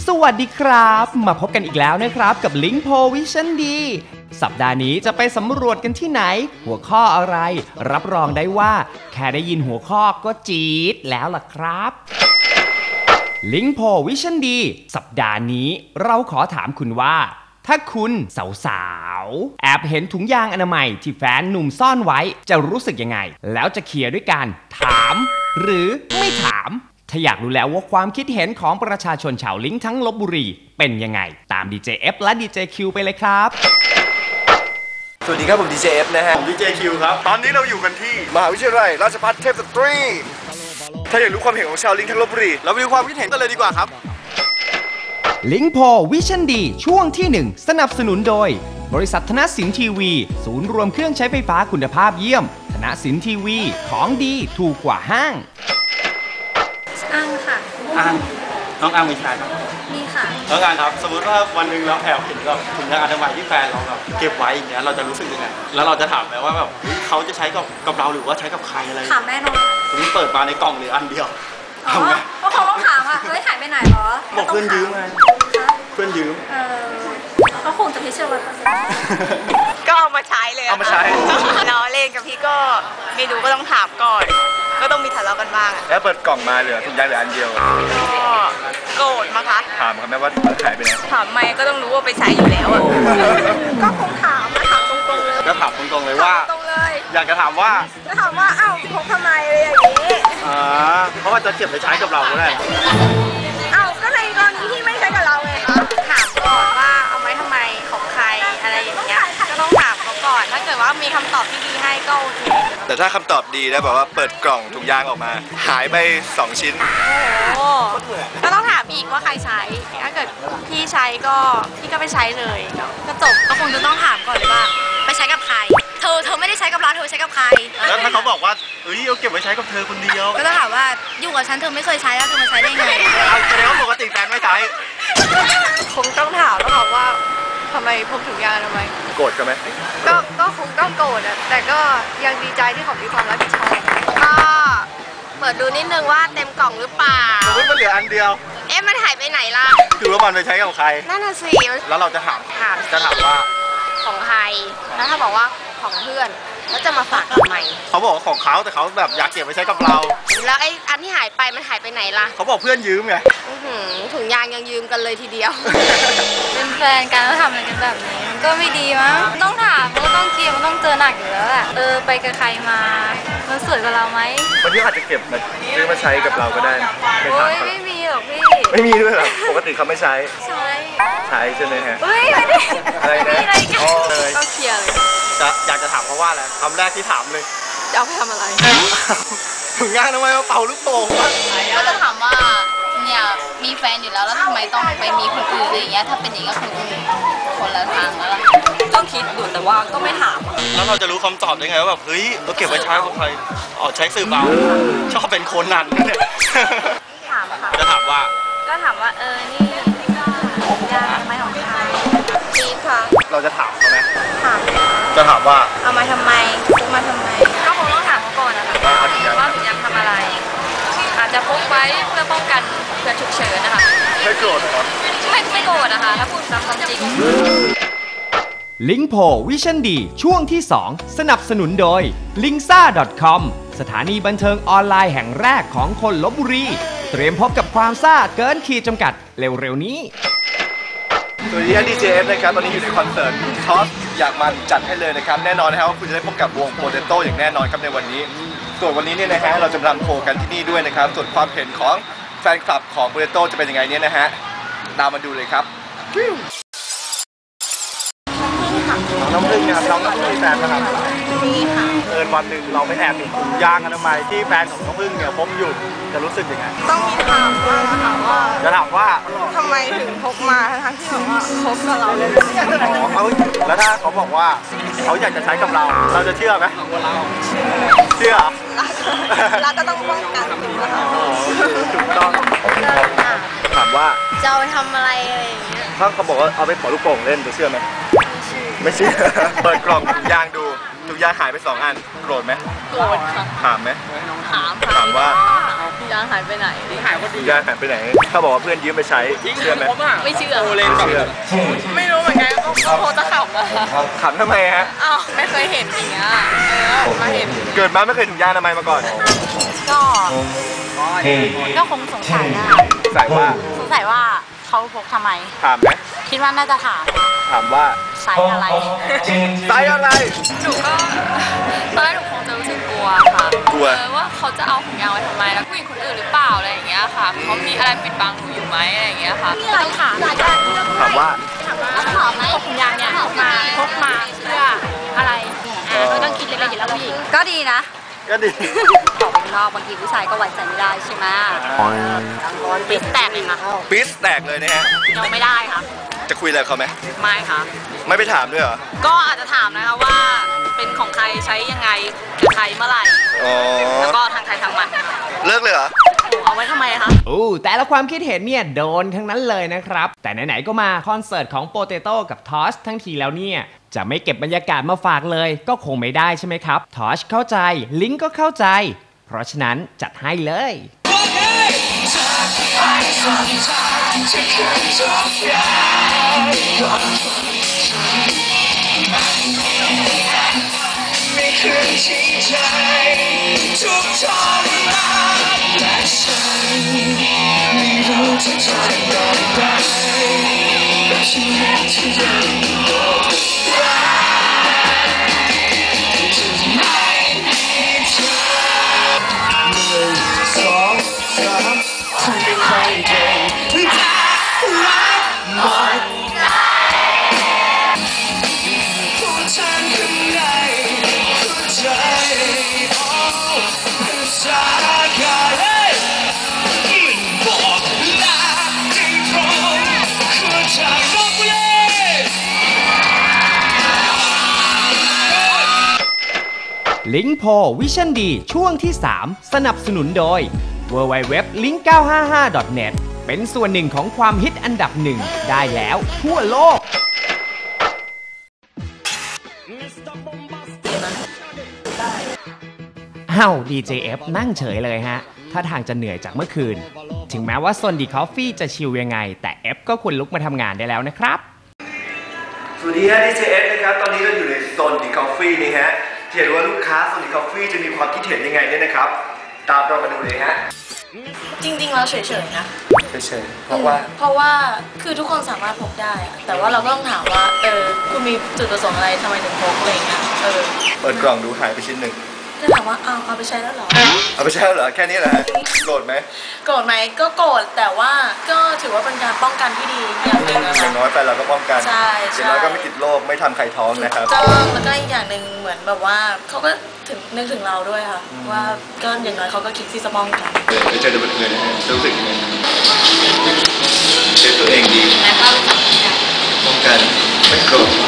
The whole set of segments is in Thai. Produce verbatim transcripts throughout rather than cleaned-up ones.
สวัสดีครับมาพบกันอีกแล้วนะครับกับลิงก์โพวิชั่นดีสัปดาห์นี้จะไปสำรวจกันที่ไหนหัวข้ออะไรรับรองได้ว่าแค่ได้ยินหัวข้อก็จี๊ดแล้วล่ะครับลิงก์โพวิชั่นดีสัปดาห์นี้เราขอถามคุณว่าถ้าคุณสาวๆแอบเห็นถุงยางอนามัยที่แฟนหนุ่มซ่อนไว้จะรู้สึกยังไงแล้วจะเคลียร์ด้วยการถามหรือไม่ถามถ้าอยากรู้แล้วว่าความคิดเห็นของประชาชนชาวลิงก์ทั้งลพบุรีเป็นยังไงตาม ดี เจ เอฟ และ ดี เจ คิว ไปเลยครับสวัสดีครับผม ดี เจ เอฟ นะฮะผม ดี เจ คิว ครับตอนนี้เราอยู่กันที่มหาวิทยาลัยราชภัฏเทพสตรีถ้าอยากรู้ความเห็นของชาวลิงก์ทั้งลพบุรีเราไปดูความคิดเห็นกันเลยดีกว่าครับลิงก์โพวิชั่นดีช่วงที่หนึ่งสนับสนุนโดยบริษัทธนสินทีวีศูนย์รวมเครื่องใช้ไฟฟ้าคุณภาพเยี่ยมธนสินทีวีของดีถูกกว่าห้างอังค่ะอังน้องอังมีชายไหมมีค่ะน้องอังครับสมมติว่าวันหนึ่งเราแอบเห็นแบบถุงยางอนามัยที่แฟนเราแบบเก็บไว้อย่างเงี้ยเราจะรู้สึกยังไงแล้วเราจะถามไหมว่าแบบเขาจะใช้กับกับเราหรือว่าใช้กับใครอะไรถามแน่นอนสมมติเปิดมาในกล่องหรืออันเดียวอ๋อก็คงต้องถามอ่ะเฮ้ยหายไปไหนหรอบอกเพื่อนยืมไงเพื่อนยืมเออก็คงจะพิเศษวันก็เอามาใช้เลยเอามาใช้ล้อเล่นกับพี่ก็ไม่รู้ก็ต้องถามก่อนก็ต้องมีทะเลาะกันบ้างแล้วเปิดกล่องมาเหลือถุงยางเหลืออันเดียวก็โกรธมั้งคะถามครับแม่ว่าหายไปไหนถามไม่ก็ต้องรู้ว่าไปใช้อยู่แล้วอ่ะก็คงถามถามตรงๆเลยก็ถามตรงๆเลยว่าตรงเลยอยากจะถามว่าจะถามว่าอ้าวพกทำไมอะไรอย่างนี้อ่าเพราะว่าจะเก็บไปใช้กับเราก็ได้อ้าวก็ในกรณีที่ไม่ใช้กับเราไงคะถามก่อนว่าเอาไว้ทำไมของใครอะไรอย่างเงี้ยก็ต้องถามเขาก่อนถ้าเกิดว่ามีคำตอบที่ดีให้ก็โอเคแต่ถ้าคำตอบดีแล้วแบบว่าเปิดกล่องถุงยางออกมาหายไปสองชิ้นโอ้ก็ต้องถามอีกว่าใครใช้ถ้าเกิดพี่ใช้ก็พี่ก็ไปใช้เลยก็จบก็คงจะต้องถามก่อนเลยว่าไปใช้กับใครเธอเธอไม่ได้ใช้กับเราเธอใช้กับใครแล้วถ้าเขาบอกว่าเอ้ยเอาเก็บไว้ใช้กับเธอคนเดียวก็ต้องถามว่าอยู่กับฉันเธอไม่เคยใช้แล้วเธอมาใช้ได้ไงเอาแสดงว่าปกติแฟนไม่ใช้คงต้องถามแล้วค่ะว่าทำไมพกถุงยางทำไมโกรธกันไหมก็ก็คงต้องโกรธอะแต่ก็ยังดีใจที่เขามีความรับผิดชอบก็เปิดดูนิดนึงว่าเต็มกล่องหรือเปล่าสมมติมันเหลืออันเดียวเอ๊ะมันหายไปไหนล่ะคือว่ามันไปใช้กับใครนั่นน่ะสิแล้วเราจะถามถามจะถามว่าของใครแล้วถ้าบอกว่าของเพื่อนแล้วจะมาฝากทำไมเขาบอกว่าของเขาแต่เขาแบบอยากเก็บไว้ใช้กับเราแล้วไอ้อันที่หายไปมันหายไปไหนล่ะเขาบอกเพื่อนยืมไงถุงยางยังยืมกันเลยทีเดียวเป็นแฟนกันแล้วทำอะไรกันแบบนี้มันก็ไม่ดีมั้งต้องถามมันก็ต้องเคลียร์มันต้องเจอหนักอยู่แล้วแหละเออไปกับใครมามันสวยกว่าเราไหมคนที่อาจจะเก็บมาซื้อมาใช้กับเราก็ได้โอ้ยไม่มีหรอกพี่ไม่มีด้วยหรอปกติเขาไม่ใช้ใช้ใช้ใช่ไหมฮะเฮ้ยไม่ได้อะไรนะก็เคลียร์เลยจะอยากจะถามเขาว่าอะไรคำแรกที่ถามเลยจะเอาไปทำอะไรถุงยางทำไมมาเป่าลูกโป่งก็จะถามว่าเนี่ยมีแฟนอยู่แล้วแล้วทำไมต้องไปมีคนอื่นอะไรอย่างเงี้ยถ้าเป็นอย่างนี้ก็คือคนละทางแล้วล่ะก็คิดอยู่แต่ว่าก็ไม่ถามแล้วเราจะรู้คำตอบได้ไงว่าแบบเฮ้ยเราเก็บไว้ใช้กับใครอ๋อใช้สื่อเบาชอบเป็นคนนั้นเนี่ยถามค่ะจะถามว่าก็ถามว่าเออนี่ยาทำไมของใครดีค่ะเราจะถามเขาไหมถามจะถามว่าเอามาทำไมซื้อมาทำไมก็คงต้องถามเขาก่อนนะคะว่าถุงยางทำอะไรอาจจะพกไว้เพื่อป้องกันเผื่อฉุกเฉินนะคะไม่โกรธหรอไม่ไม่โกรธนะคะถ้าพูดตามความจริงลิงก์โพวิชั่นดีช่วงที่สองสนับสนุนโดย ลิงซ่า ดอท คอม สถานีบันเทิงออนไลน์แห่งแรกของคนลพบุรีเตรียมพบกับความซ่าเกินขีดจำกัดเร็วๆนี้สวัสดีครับ ดี เจ เอฟ นะครับตอนนี้อยู่ในคอนเสิร์ตทอสอยากมันจัดให้เลยนะครับแน่นอนนะครับว่าคุณจะได้พบกับวงโปเตโต้อย่างแน่นอนครับในวันนี้ส่วนวันนี้เนี่ยนะฮะเราจะรำโชว์กันที่นี่ด้วยนะครับส่วนความเห็นของแฟนคลับของโปเตโต้จะเป็นยังไงเนี่ยนะฮะตามมาดูเลยครับน้องพึ่งนะครับน้องน้องพึ่งมีแฟนนะครับมีค่ะเอิญวันหนึ่งเราไม่แอบเห็นถุงยางอนามัยที่แฟนของน้องพึ่งเนี่ยพกอยู่จะรู้สึกยังไงต้องมีถามว่าถามว่าจะถามว่าทำไมถึงพกมาทั้งที่บอกว่าพกกับเราเลยเขาแล้วถ้าเขาบอกว่าเขาอยากจะใช้กับเราเราจะเชื่อไหมเชื่อเราก็ต้องป้องกันถูกไหมคะถูกต้องถามว่าจะเอาไปทำอะไรอะไรอย่างเงี้ยถ้าเขาบอกว่าเอาไปเป่าลูกโป่งเล่นจะเชื่อไหมไม่เชื่อเปิดกล่องถุงยางดูถุงยางหายไปสองอันโกรธไหมโกรธค่ะถามไหมถามถามว่าถุงยางหายายไปไหนหายพอดีถุงยางหายไปไหนเขาบอกว่าเพื่อนยืมไปใช้เชื่อไหมไม่เชื่อโอเลนไม่เชื่อไม่รู้เหมือนกันก็โคตรขับอะขำทำไมฮะอ้าวไม่เคยเห็นอย่างเงี้ยเออมาเห็นเกิดมาไม่เคยถุงยางอนามัยมาก่อนก็ก็คงสงสัยได้ใส่ว่าสงสัยว่าเขาพกทำไมถามไหมคิดว่าน่าจะถามถามว่าไซส์อะไรไซส์อะไรหนูก็ตอนแรกหนูคงจะรู้สึกกลัวค่ะกลัวเออว่าเขาจะเอาถุงยางไว้ทำไมแล้วผู้หญิงคนอื่นหรือเปล่าอะไรอย่างเงี้ยค่ะเขามีอะไรปิดบังหนูอยู่ไหมอะไรอย่างเงี้ยค่ะมีอะไรถามถามว่าถามว่าถามไหมพกถุงยางเนี่ยพกมาพกมาเพื่ออะไรอ่าก็ต้องคิดเล็กๆอยู่แล้วผู้หญิงก็ดีนะก็ดีออกนอกบางทีผู้ชายก็ไว้ใจไม่ได้ใช่ไหมปิดแตกเลยค่ะปิสแตกเลยนะฮะยังไม่ได้ค่ะจะคุยอะไรกับเขาไหมไม่ค่ะไม่ไปถามด้วยเหรอก็อาจจะถามนะคะว่าเป็นของใครใช้ยังไงกับใครเมื่อไหร่อ๋อแล้วก็ทางใครทางมันค่ะเลิกเลยเหรอโอ้เอาไว้ทำไมคะอู้แต่ละความคิดเห็นเนี่ยโดนทั้งนั้นเลยนะครับ แต่ไหนๆก็มาคอนเสิร์ตของโปเตโต้กับทอสทั้งทีแล้วเนี่ย จะไม่เก็บบรรยากาศมาฝากเลยก็คงไม่ได้ใช่ไหมครับทอสเข้าใจลิงก็เข้าใจ เพราะฉะนั้นจัดให้เลยไม่เคยทิ้งใจทุกทรมานและฉันไม่รู้จะทำอย่างไรแต่ชีวิตที่ยังคงรักจะไม่มีเธอหนึ่งสองสามคุณเป็นใครเก่งแต่รักหมดผู้ชายข้างในใจโอ้เป็นสากายมันบอกลาที่ตรงหัวใจบอกเลยลิงโพวิชั่นดีช่วงที่ สาม สนับสนุนโดย ดับเบิลยู ดับเบิลยู ดับเบิลยู ดอท ลิงก์ เก้าห้าห้า ดอท เน็ต เป็นส่วนหนึ่งของความฮิตอันดับหนึ่งได้แล้วทั่วโลก อ้าว ดี เจ เอฟ นั่งเฉยเลยฮะ ถ้าทางจะเหนื่อยจากเมื่อคืน ถึงแม้ว่า Sondy Coffee จะชิลยังไง แต่ F ก็ควรลุกมาทำงานได้แล้วนะครับสวัสดีฮะ ดี เจ เอฟ นะครับ ตอนนี้เราอยู่ในโซนดีคอฟฟี่นี่ฮะเห็นว่าลูกค้าโซนดีคอฟฟี่จะมีความคิดเห็นยังไงเนี่ยนะครับ ตามเรามาดูเลยฮะจริงๆเราเฉยๆนะเฉยๆเพราะว่าเพราะว่าคือทุกคนสามารถพกได้อะแต่ว่าเราก็ต้องถามว่าเออคุณมีจุดประสงค์อะไรทำไมถึงพกอะไรอย่างเงี้ยเออเปิดกล่องดูหายไปชิ้นหนึ่งจะถามว่าอ้าวเอาไปใช้แล้วเหรอเอาไปใช้แล้วเหรอ แค่นี้แหละฮะโกรธไหมโกรธไหมก็โกรธแต่ว่าก็ถือว่าเป็นการป้องกันที่ดีอย่างหนึ่งนะอคะย่างน้อยไปเราก็ป้องกันใช่ใช่อย่างน้อยก็ไม่ติดโรคไม่ทำใครท้องนะครับก็แล้วก็อีกอย่างหนึ่งเหมือนแบบว่าเขาก็ถึงนึกถึงเราด้วยค่ะ ว่าก็อย่างน้อยเขาก็คิดที่จะป้องกันไปเจอตัวเพื่อนนะฮะจะรู้สึกยังไงเซฟตัวเองดีป้องกันไม่โกรธ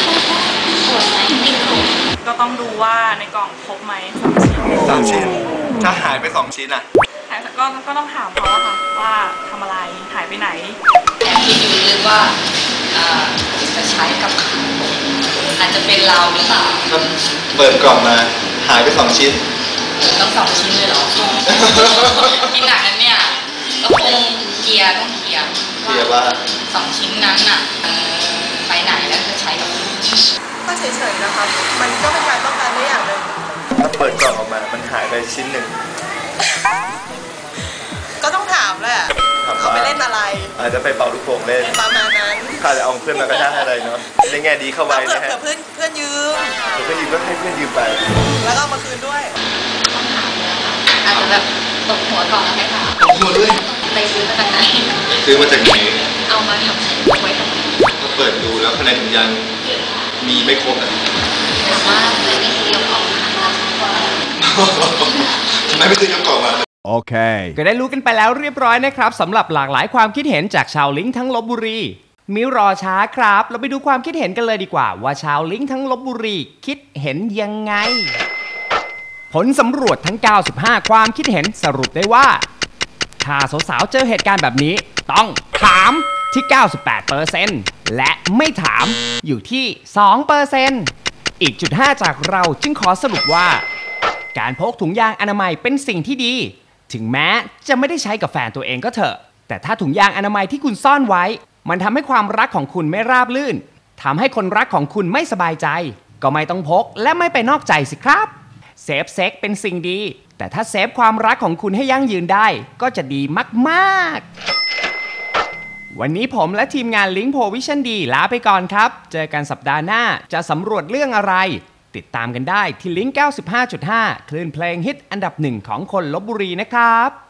ก็ต้องดูว่าในกล่องครบไหมสามชิ้น ถ้าหายไปสองชิ้นอ่ะหายก็ก็ต้องถามเขาอะค่ะว่าทำอะไรหายไปไหนคิดดูเลยว่าเอ่อจะใช้กับใครอาจจะเป็นเราหรือเปล่าถ้าเปิดกล่องมาหายไปสองชิ้นต้องสองชิ้นเลยเหรอ คิดหนักนั้นเนี่ยก็คงเคลียร์ต้องเคลียร์เคลียร์ว่าสองชิ้นนั้นน่ะเอ่อไปไหนแล้วจะใช้กับใครก็เฉยๆนะคะมันก็เป็นการป้องกันได้อย่างหนึ่งถ้าเปิดกล่องออกมา มันหายไปชิ้นหนึ่งก็ต้องถามแหละถามว่าเขาไปเล่นอะไรอาจจะไปเป่าลูกโป่งเล่นประมาณนั้นข้าจะเอาเพื่อนมากระชากอะไรเนาะในแง่ดีเข้าไว้เผื่อนะฮะเผื่อเพื่อนเพื่อนยืมเพื่อนยืมก็ให้เพื่อนยืมไปแล้วก็เอามาคืนด้วยอาจจะแบบตกหัวก่อนแล้วไหมคะหมดเลยไปซื้อมาจากไหนซื้อมาจากไหนเอามาทำเอาไว้ทำไมก็เปิดดูแล้วภายในถุงยางมีไม่ครบอ่ะถามว่าเคยได้ซื้อยกออกมาแล้วว่าทำไมไม่ซื้อยกกล่องมาโอเค ก็ได้รู้กันไปแล้วเรียบร้อยนะครับสำหรับหลากหลายความคิดเห็นจากชาวลิงก์ทั้งลพบุรีมิรอช้าครับเราไปดูความคิดเห็นกันเลยดีกว่า ว่าชาวลิงก์ทั้งลพบุรีคิดเห็นยังไง ผลสำรวจทั้ง เก้าสิบห้า ความคิดเห็นสรุปได้ว่า ถ้าสาวๆเจอเหตุการณ์แบบนี้ต้องถามที่ เก้าสิบแปดเปอร์เซ็นต์ และไม่ถามอยู่ที่ สองเปอร์เซ็นต์ อีกจุดห้าจากเราจึงขอสรุปว่า การพกถุงยางอนามัยเป็นสิ่งที่ดีถึงแม้จะไม่ได้ใช้กับแฟนตัวเองก็เถอะแต่ถ้าถุงยางอนามัยที่คุณซ่อนไว้มันทำให้ความรักของคุณไม่ราบรื่นทำให้คนรักของคุณไม่สบายใจก็ไม่ต้องพกและไม่ไปนอกใจสิครับเซฟเซ็กเป็นสิ่งดีแต่ถ้าเซฟความรักของคุณให้ยั่งยืนได้ก็จะดีมากๆวันนี้ผมและทีมงาน Link Po Vision D ลาไปก่อนครับเจอกันสัปดาห์หน้าจะสำรวจเรื่องอะไรติดตามกันได้ที่ Link เก้าสิบห้าจุดห้า คลื่นเพลงฮิตอันดับหนึ่งของคนลพบุรีนะครับ